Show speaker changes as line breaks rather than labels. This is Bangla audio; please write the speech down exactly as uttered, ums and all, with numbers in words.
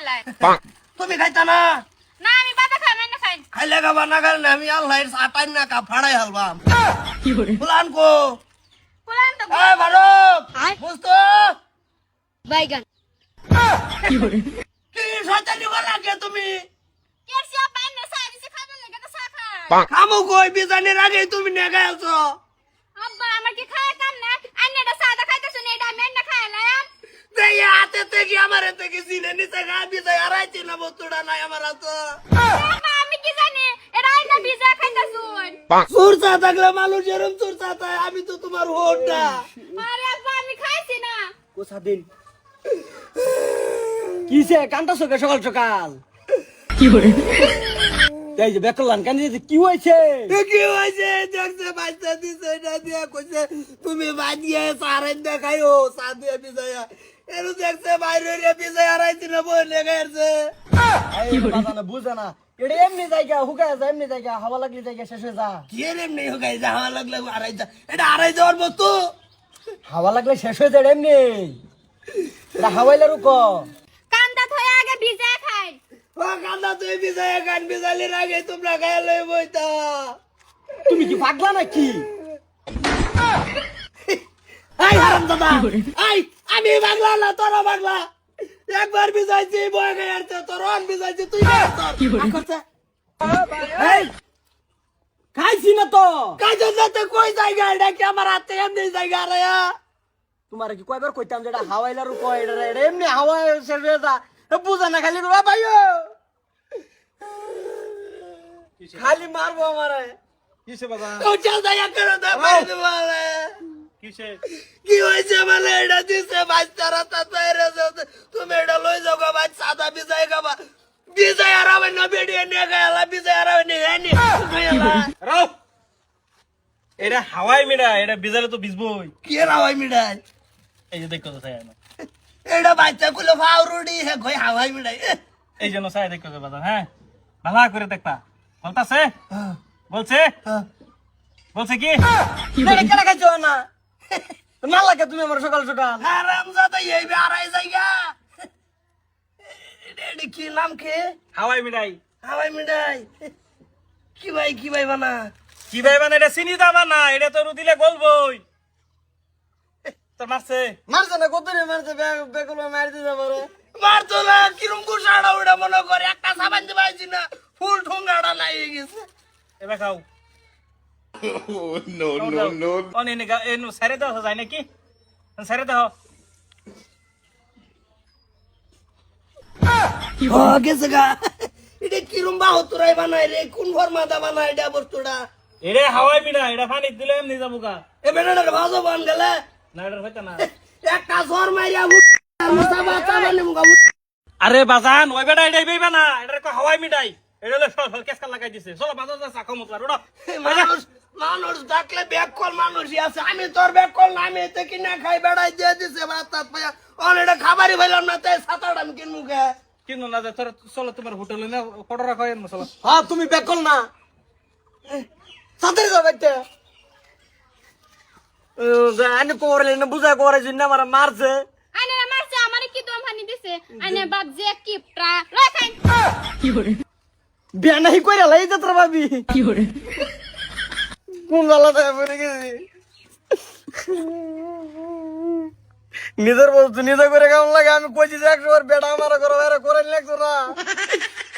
লাই
তুমি খাইতা না
না আমি বাবা খাই না খাই
খাইলে খাবা না খাইলে আমি আল্লাহর সাতাই না কা ফাড়াই হালবাম ফুলান কো
ফুলান তো
এ ভারত বুঝতো
বাইগান
কি শয়তানি বলা কে তুমি
কেসিয়া পাইন না সাই দিছে খাবে লাগে তো সা খায়
খামু কই বিজানের আগে তুমি নেগা আছো
আব্বা আমার কি খায় কাম না আন্নেটা সাদা খাইতেছ না এটা আমি না খাইলাম
দেই হাতে থেকে আমার হাতে কি সিনে নিতে গা বিজাই আড়াইছি না বস্তুটা নাই আমার হাতে
আব্বা আমি কি জানি এটা আইনা ভিজা খাইতেছুন
সুরসা থাকলে মানুষ এরম সুরসা থাকে আমি তো তোমার হোটটা
আরে আব্বা আমি খাইছি না
কোসা দিন কিসে কান্তাছো কে সকাল সকাল কি হরে এই যে বেকলান কান দিতে কি হইছে
কি হইছে দেখছে বাচ্চা দিছে এটা দিয়া কইছে তুমি বাজিয়ে সারেন দেখাইও সাদে বিজয়া এরু দেখছে বাইরে রে বিজয়া আড়াইছি না বলে গেছে
কি বাবা না বুঝা না এটা এমনি জায়গা হুকায় যায় এমনি জায়গা হাওয়া লাগলে জায়গা শেষ হয়ে যা
কি রে এমনি হগাই যা হাওয়া লাগলে আড়াই যা এটা আড়াই যাওয়ার বস্তু
হাওয়া লাগলে শেষ হয়ে যায় এমনি এটা হাওয়াইলে রুক
কান্দা থয়ে আগে ভিজা খাই
ও কান্দা তুই বিজয়া গান বিজালির আগে তোমরা গায়ে লই বইতা
তুমি কি পাগলা নাকি
এই হারাম দাদা এই আমি বাংলা না তোরা বাংলা একবার বিজাইছি বয় গায়ে আরতে তোর অন বিজাইছি তুই গায়ে
এই খাইছি না তো
কাজে যেতে কই জায়গা এটা কি আমার হাতে এমনি জায়গা রে
তোমার কি কয়বার কইতাম যেটা হাওয়াইলা রুক এটা এটা এমনি হাওয়া শেষ হয়ে যা বুঝা না খালি রে ভাইও খালি মারবো আমারে
কিসে বাবা
ও চল জায়গা করে দে মার দে বলে
কিসে
কি হইছে বলে এটা দিছে বাচ্চারা তা তৈরে তুমি এটা লই যাও গা বাচ্চা সাদা বিজাই গাবা বিজাই আরাবে না বেডিয়ে নে গালা বিজাই আরাবে নে এনি গালা
রাও এটা হাওয়াই মিডা এটা বিজালে তো ভিজবই
কি রাওয়াই মিডাই
এই যে দেখো তো ছায়া না
এটা বাচ্চা গুলো ফাউরুডি হে কই হাওয়াই মিডাই
এই জন্য ছায়া দেখো তো বাবা হ্যাঁ ভালো করে দেখতা বলতাছে বলছে বলছে কি
এটা কেন খাইছো না না লাগে তুমি আমার সকাল সকাল
হারাম জাদা এই বে আড়াই জায়গা এটা কি নাম কে
হাওয়াই মিডাই
হাওয়াই মিডাই কি ভাই কি ভাই বানা
কি ভাই মানে এটা চিনি দাবা না এটা তো দিলে গলবই তোর মারছে
মারছে না কত রে মারছে বেগুলো মার দিতে পারে
মারতো না কিরম গুছাড়া ওটা মনে করে একটা সাবান দিবাইছি না ফুল ঠোঙ্গাটা নাই গেছে
এবার খাও
no, no, no.
অনে নে এন সারে দাও যায় নাকি সারে দাও
ও গেছে গা এটা কিরম বাহতুরাই বানাই রে কোন ফরমাদা বানাই এটা বস্তুটা
এরে হাওয়াই মিডা এটা পানি দিলে এমনি যাবো গা
এ বেটাটাকে ভাজো বান গেলে
না এটা হইতা না
একটা জ্বর মাইরা মুসা বাচ্চা বানি মুগা
আরে বাজান ওই বেটা এটাই বেইবা না এটা কো হাওয়াই মিডাই এটা হলো ফল ফল কেসকা লাগাই দিছে চলো বাজার যা চাকো মতলা রোড
মানুষ মানুষ ডাকলে ব্যাক কল মানুষই আছে আমি তোর ব্যাক কল না আমি এতে কিনা খাই বেড়াই দিয়ে দিছে বাতাত পায়া অনেকটা খাবারই পাইলাম না তাই সাতাটা আমি কিনবো কে
কিন্তু না যে তোর চলো তোমার হোটেলে না কত রাখো এর চলো
হ্যাঁ তুমি বেকল না সাথে যাবে আনে কোরে না বুঝা করে জিন্না মারা মারছে
আনে না মারছে আমারে কি দম হানি দিছে আনে বাপ যে কিপটা রাখাই
কি করে বিয়া নাই কইরা লাই যাত্রা ভাবি কি করে কোন লালা দেয় পড়ে গেছি নিজের বস্তু নিজে করে কেমন লাগে আমি কইছি যে একশো বার বেটা আমার করে করে লাগতো না